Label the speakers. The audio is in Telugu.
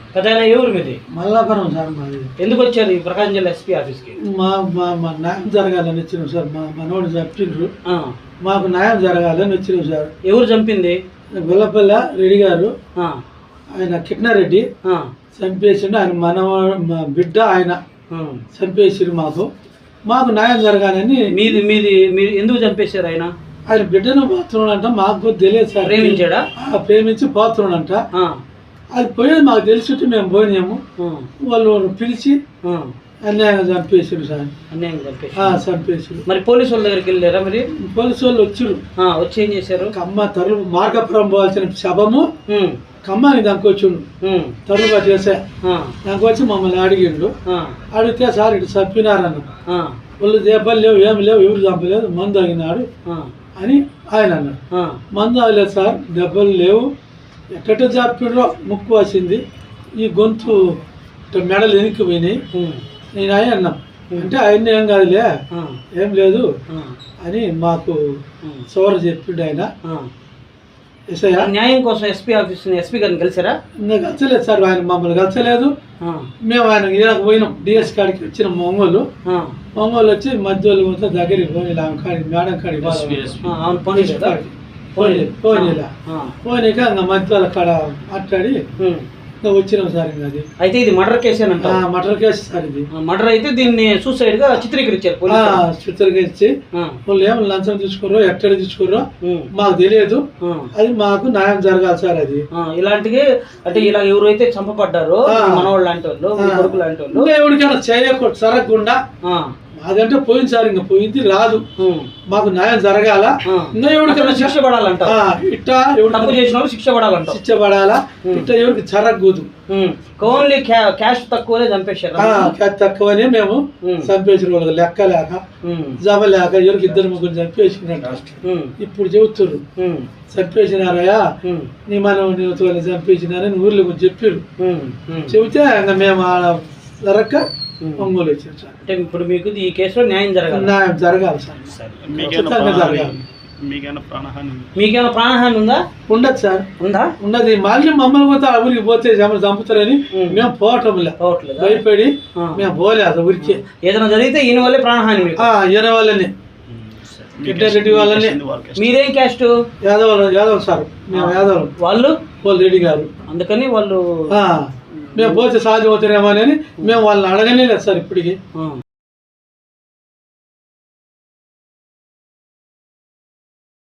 Speaker 1: పెద్దాయన ఎవరు మీది?
Speaker 2: మల్లాపురం సార్ మాది.
Speaker 1: ఎందుకు వచ్చారు ఈ ప్రకాశం జిల్లా ఎస్పీ ఆఫీస్కి?
Speaker 2: మా న్యాయం జరగాలని వచ్చినాం సార్. మా మనోడు చెప్పిండ్రు, మాకు న్యాయం జరగాలని వచ్చినాం సార్.
Speaker 1: ఎవరు చంపింది?
Speaker 2: గొల్లపల్లి రెడ్డి గారు, ఆయన కిట్నారెడ్డి చంపేసిండు. ఆయన మా బిడ్డ ఆయన చంపేసిరు. మాకు న్యాయం జరగాలని.
Speaker 1: మీది మీది మీరు ఎందుకు చంపేశారు? ఆయన
Speaker 2: బిడ్డను పోతున్నాడంట, మాకు తెలియదు సార్.
Speaker 1: ప్రేమించాడా?
Speaker 2: ప్రేమించి పోతున్నాడంట. అది పోయేది మాకు తెలిసి మేము పోయినాము. వాళ్ళు పిలిచి అన్యాయంగా చంపేసారు సార్.
Speaker 1: అన్యాయంగా
Speaker 2: చంపేసారు.
Speaker 1: మరి పోలీసు వాళ్ళ దగ్గరికి వెళ్ళారా? మరి
Speaker 2: పోలీసు వాళ్ళు వచ్చారు.
Speaker 1: వచ్చి ఏం చేశారు?
Speaker 2: కమ్మ తరువు మార్గపురం పోవాల్సిన శబము కమ్మని దానికి వచ్చిండు. తరువు పట్టేసా దానికి వచ్చి మమ్మల్ని అడిగిండు. అడిగితే సార్ ఇటు చంపినారన్న. వాళ్ళు దెబ్బలు లేవు, ఏమి లేవు, ఎవరు చంపలేదు, మందు తాగినాడు అని ఆయన అన్నాడు. మందు తాగలేదు సార్, దెబ్బలు లేవు, ఎక్కట చంపిండ్రో ముక్కు వచ్చింది, ఈ గొంతు మెడలు వెనక్కి పోయినాయి. నేను ఆయన అన్నాం అంటే ఆయన ఏం కాదులే, ఏం లేదు అని మాకు చివర చెప్పిండు ఆయన.
Speaker 1: న్యాయం కోసం ఎస్పీ గారిని కలిసారా?
Speaker 2: ఇంకా కలిసలేదు సార్, ఆయన మమ్మల్ని కలిసలేదు. మేము ఆయన పోయినాం, డిఎస్ కాడికి వచ్చినాం. ఒంగోలు వచ్చి మధ్యలో దగ్గరికి పోయి మేడం కాడికి పోయినాక ఇంకా మధ్యలో కాడ మాట్లాడి వచ్చినాం సార్. ఇంకా అది
Speaker 1: అయితే ఇది మర్డర్ కేసేనంట.
Speaker 2: Murder case sir. ఇది
Speaker 1: మర్డర్ అయితే దీన్ని సూసైడ్ గా చిత్రీకరించారు.
Speaker 2: చిత్రీకరించి వాళ్ళు ఏమో లంచం తీసుకోరో ఎక్కడ తీసుకోరో మాకు తెలియదు. అది మాకు న్యాయం జరగాలి సార్. అది
Speaker 1: ఇలాంటివి అంటే ఇలా ఎవరైతే చంపబడ్డారో మనవాళ్ళు లాంటి వాళ్ళు, కొడుకు లాంటి వాళ్ళు,
Speaker 2: ఎవరికైనా చేయకూడదు జరగకుండా. అదంటే పోయింది సార్, ఇంకా పోయింది రాదు. మాకు న్యాయం జరగాల, ఇంకా ఎవరికైనా
Speaker 1: శిక్ష పడాలంట.
Speaker 2: ఇట్టా
Speaker 1: తప్పు చేసిన వాళ్ళు శిక్ష పడాలంట.
Speaker 2: శిక్ష పడాలా, ఇట్లా ఎవరికి జరగకూడదు.
Speaker 1: ఓన్లీ క్యాష్ తక్కువనే చంపేశారు.
Speaker 2: క్యాష్ తక్కువనే మేము చంపేసిన వాళ్ళకి లెక్క లేక జమ లేక ఎవరికి ఇద్దరు ముగ్గురు చంపేసినట్టు ఇప్పుడు చెబుతున్నారు. చంపేసినారయ్యా నీ మనం చంపేసినారని ఊర్లో చెప్పారు. చెబితే ఇంకా మేము జరగక ఒంగోలు వచ్చారు సార్.
Speaker 1: అంటే ఇప్పుడు మీకు ఈ కేసులో న్యాయం జరగాలి.
Speaker 2: న్యాయం జరగాలి సార్.
Speaker 1: మీకేమైనా ప్రాణహాని ఉందా?
Speaker 2: ఉండదు సార్. ఉన్నది. మళ్ళీ మమ్మల్ని పోతే ఊరికి పోతే చంపుతారని మేము పోవట్లేదు, భయపడి మేము పోలేదు ఊరికి.
Speaker 1: ఏదైనా జరిగితే ఈయన వల్లే ప్రాణహాని.
Speaker 2: ఈయన వాళ్ళని, రెడ్డి వాళ్ళని.
Speaker 1: మీరేం క్యాస్ట్?
Speaker 2: యాదవ్ సార్. మేము యాదవ్.
Speaker 1: వాళ్ళు
Speaker 2: రెడ్డి గారు.
Speaker 1: అందుకని వాళ్ళు
Speaker 2: మేము పోతే సాధ్యం అవుతారేమో అని మేము వాళ్ళని అడగనే లేదు సార్ ఇప్పటికి.